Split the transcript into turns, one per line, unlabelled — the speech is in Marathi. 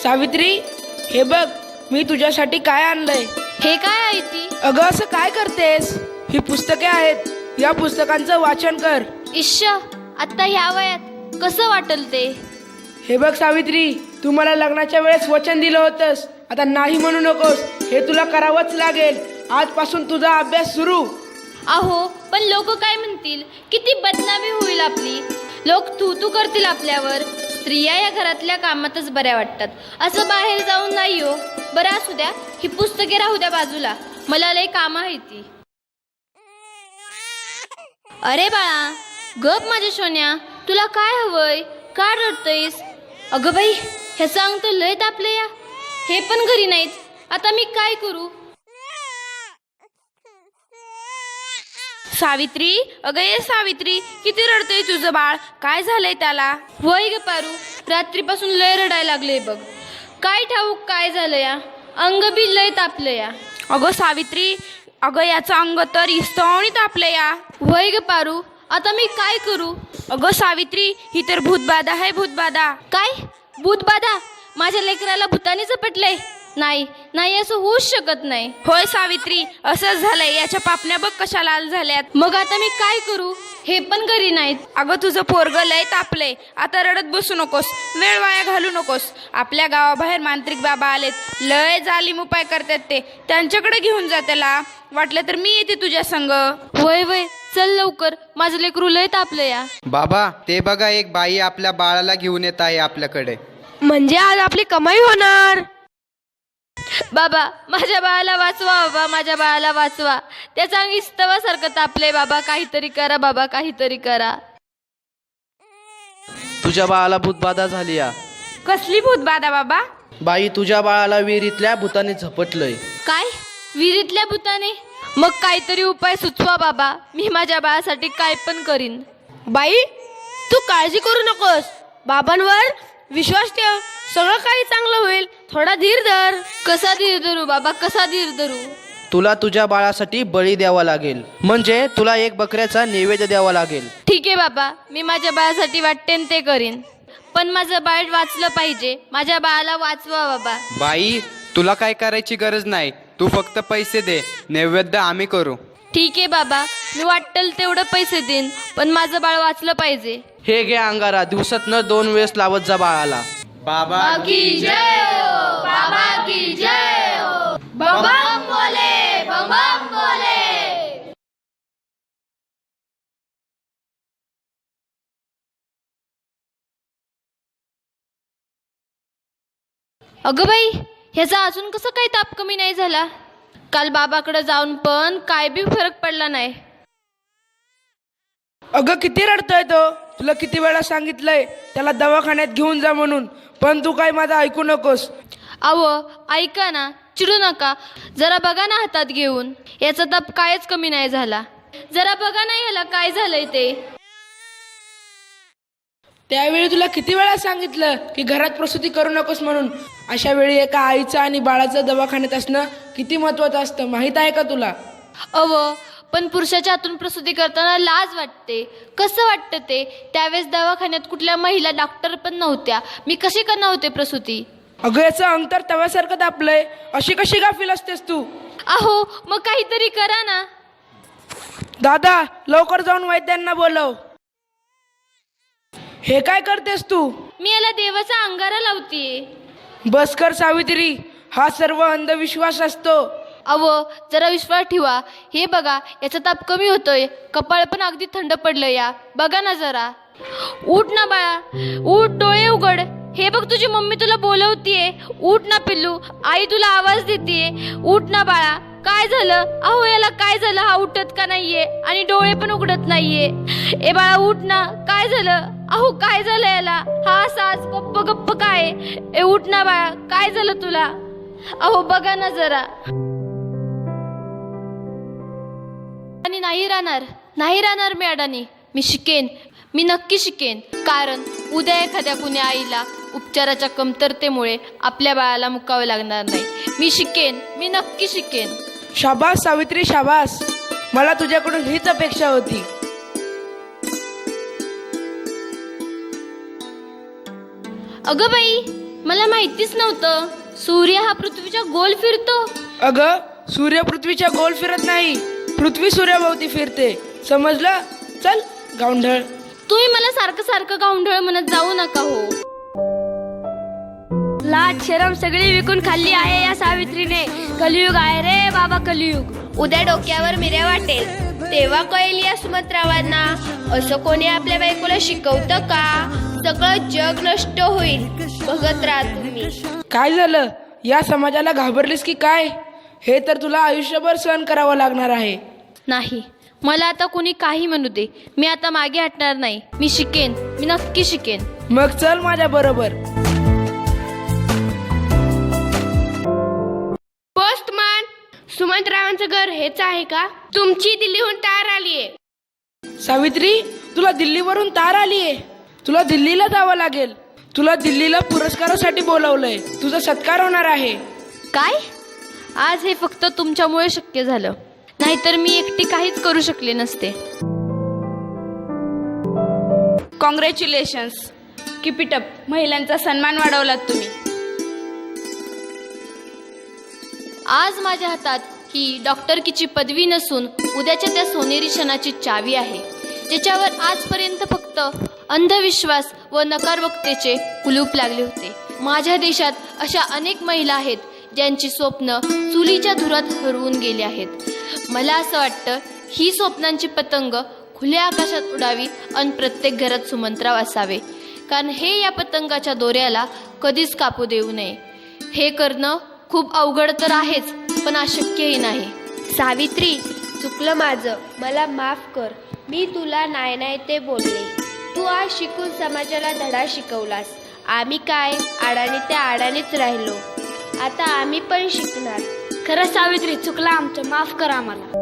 सावित्री, हे बघ मी तुझ्यासाठी काय आणलंय.
हे काय आहे ती?
अगं असं काय करतेस? ही पुस्तके आहेत, या पुस्तकांचं वाचन कर.
इश्श, आता ह्या वयात कसं वाटल ते?
हे बघ सावित्री, तू मला लग्नाच्या वेळेस वचन दिलं होतंस, आता नाही म्हणू नकोस. हे तुला करावंच लागेल. आजपासून तुझा अभ्यास सुरू.
अहो, पण लोक काय म्हणतील? किती बदनामी होईल आपली. लोक तू तू करतील आपल्यावर. स्त्रिया या घरातल्या कामातच बऱ्या वाटतात, असं बाहेर जाऊन नाही हो. बरं असू द्या, ही पुस्तके राहू द्या बाजूला, मला लय काम आहे ती. अरे बाळा, गप माझ्या सोन्या, तुला काय हवंय? का रडतयस? अगं बाई, ह्याचं अंग तर लय तापलं या. हे पण घरी नाहीत, आता मी काय करू?
सावित्री, अगं ये सावित्री, किती रडतंय तुझं बाळ? काय झालंय त्याला?
वय ग पारू, रात्रीपासून लय रडायला लागले बघ. काय ठाऊक काय झालं या, अंग बी लय तापलं या.
अगं सावित्री, अगं याचं अंग तर इस्तवणी तापलं या.
वय ग पारू, आता मी काय करू?
अगं सावित्री, ही तर भूतबाधा आहे, भूतबाधा.
काय? भूतबाधा? माझ्या लेकराला भूताने झपटलंय? नाही नाही, असं होऊच शकत नाही.
होय सावित्री, असंच झालंय. याच्या पापण्या बघ कशा लाल झाल्यात.
मग आता मी काय करू? हे पण घरी नाहीत.
अगं तुझं पोरग लय तापलंय, आता रडत बसू नकोस, वेळ वाया घालू नकोस. आपल्या गावाबाहेर मांत्रिक बाबा आलेत, लय जालीम उपाय करतात ते. त्यांच्याकडे घेऊन जा त्याला. वाटलं तर मी येते तुझ्या संग.
वय वय, चल लवकर, माझं लेकरू लय तापलं या.
बाबा, ते बघा, एक बाई आपल्या बाळाला घेऊन येत आहे आपल्याकडे.
म्हणजे आज आपली कमाई होणार.
बाबा, माझ्या बाळाला वाचवा. बाबा, माझ्या बाळाला वाचवा. त्याचा अंग इस्तवासारखं तापलंय. बाबा, काहीतरी करा. बाबा, काहीतरी करा.
तुझ्या बाळाला भूतबाधा झाली या.
कसली भूतबाधा बाबा?
बाई, तुझ्या बाळाला विहिरीतल्या भूताने झपटलंय.
काय? विहिरीतल्या भूताने? मग काहीतरी उपाय सुचवा बाबा, मी माझ्या बाळासाठी काय पण करीन.
बाई, तू काळजी करू नकोस, बाबांवर विश्वास ठेव, सगळं काही चांगलं होईल. थोडा धीर धर.
कसा धीर धरू बाबा, कसा धीर धरू?
तुला तुझ्या बाळासाठी बळी द्यावा लागेल, म्हणजे तुला एक बकऱ्याचा नैवेद्य द्यावा लागेल.
ठीक आहे बाबा, मी माझ्या बाळासाठी वाटते ते करीन, पण माझं बाळ वाचलं पाहिजे. माझ्या बाळाला वाचवा बाबा.
बाई, तुला काय करायची गरज नाही, तू फक्त पैसे दे, नैवेद्य आम्ही करू.
ठीक आहे बाबा, मी वाटेल तेवढं पैसे देईन, पण माझं बाळ वाचलं पाहिजे.
हे घे अंगारा, दिवसातनं 2 वेळेस लावत जा बाळाला.
बाबा
की जय हो, बाबा की जय हो. बम बोले, बम बोले. अगं बाई, ह्याचा अजून कसं काही ताप कमी नाही झाला? काल बाबाकडे जाऊन पण काय बी फरक पडला नाही.
अगं किती रडतोय तो. तुला किती वेळा सांगितलंय त्याला दवाखान्यात घेऊन जा म्हणून, पण तू काय माझं ऐकू नकोस.
अहो, ऐका ना, चिडू नका. जरा बघा ना हातात घेऊन, याचा ताप कायच कमी नाही झाला. जरा बघा ना याला काय झालंय ते.
त्यावेळी तुला किती वेळा सांगितलं की घरात प्रसूती करू नकोस म्हणून. अशा वेळी एका आईचं आणि बाळाचं दवाखान्यात असणं किती महत्वाचं असतं, माहित आहे का तुला?
अहो, पण पुरुषाच्या हातून प्रसूती करताना लाज वाटते. कसं वाटतं ते? त्यावेळेस दवाखान्यात कुठल्या महिला डॉक्टर पण नव्हत्या. मी कशी करणार होते प्रसूती?
अगं याचं अंग तर तव्यासारखं तापलंय, अशी कशी गाफील असतेस तू?
अहो, मग काहीतरी करा ना.
दादा, लवकर जाऊन वैद्यांना बोलव. हे काय करतेस तू?
मी याला देवाचा अंगारा लावतीये.
बस कर सावित्री, हा सर्व अंधविश्वास असतो.
अहो, जरा विश्वास ठेवा. हे बघा, याचा ताप कमी होतोय, कपाळ पण अगदी थंड पडलं या. बघा ना जरा. उठ ना बाळा, उठ, डोळे उघड. हे बघ, तुझी मम्मी तुला बोलवतीये. उठ ना पिल्लू, आई तुला आवाज देतीये. उठ ना बाळा. काय झालं? अहो, याला काय झालं? हा उठत का नाहीये आणि डोळे पण उघडत नाहीये. ए बाळा, उठ ना. काय झालं? अहो, काय झालं याला? हा असाच गप्प गप्प काय? ए उठ ना बाळा, काय झालं तुला? अहो बघा ना जरा. आणि नाही राहणार मी अडाणी. मी शिकेन, मी नक्की शिकेन. कारण उद्या एखाद्या कुण्या आईला उपचाराच्या कमतरतेमुळे आपल्या बाळाला मुकावं लागणार नाही. मी शिकेन, मी नक्की शिकेन.
शाबास सावित्री, शाबास. मला तुझ्याकडून हीच अपेक्षा होती.
अगं बाई, मला माहितीच नव्हतं सूर्य हा पृथ्वीच्या गोल फिरतो.
अगं सूर्य पृथ्वीच्या गोल फिरत नाही, पृथ्वी सूर्याभोवती फिरते. समजलं? चल गावंढळ.
तुम्ही मला सारखं सारखं गावंढळ म्हणत जाऊ नका हो.
लाज शरम सगळी विकून खाल्ली आहे या सावित्रीने. कलियुग आहे रे बाबा, कलियुग.
उद्या डोक्यावर मिऱ्या वाटेल तेव्हा कळेल या सुमंतरावांना असं कोणी आपल्या बायकोला शिकवतं का? सगळं जग नष्ट होईल, बघत राहा तुम्ही.
काय झालं? या समाजाला घाबरलीस की काय? हे तर तुला आयुष्यभर सहन करावं लागणार आहे.
नाही, मला आता कोणी काही म्हणू दे, मी आता मागे हटणार नाही. मी शिकेन, मी नक्की शिकेन.
मग चल माझ्या बरोबर.
पोस्टमन, सुमंतरावांचं घर हेच आहे का? तुमची दिल्लीहून तार आलीये.
सावित्री, तुला दिल्लीवरून तार आलीये. तुला दिल्लीला जावं लागेल. तुला दिल्लीला पुरस्कारासाठी बोलावलंय. तुझा सत्कार होणार आहे.
काय? आज हे फक्त तुमच्यामुळे शक्य झालं, नाहीतर मी एकटी काहीच करू शकले नसते.
Congratulations, keep it up. महिलांचा सन्मान वाढवलात तुम्ही.
आज माझ्या हातात ही डॉक्टरकीची पदवी नसून उद्याच्या त्या सोनेरी क्षणाची चावी आहे, ज्याच्यावर आजपर्यंत फक्त अंधविश्वास व नकारवक्तेचे कुलूप लागले होते. माझ्या देशात अशा अनेक महिला आहेत ज्यांची स्वप्न चुलीच्या धुरात हरवून गेली आहेत. मला असं वाटतं ही स्वप्नांची पतंग खुल्या आकाशात उडावी आणि प्रत्येक घरात सुमंतराव असावे, कारण हे या पतंगाच्या दोऱ्याला कधीच कापू देऊ नये. हे करणं खूप अवघड तर आहेच, पण अशक्यही नाही.
सावित्री, चुकलं माझं, मला माफ कर. मी तुला नाही ते बोलले. तू आज शिकून समाजाला धडा शिकवलास. आम्ही काय आडाणी त्या आडाणीच राहिलो. आता आम्ही पण शिकणार.
खरं सावित्री, चुकला आमचं, माफ करा आम्हाला.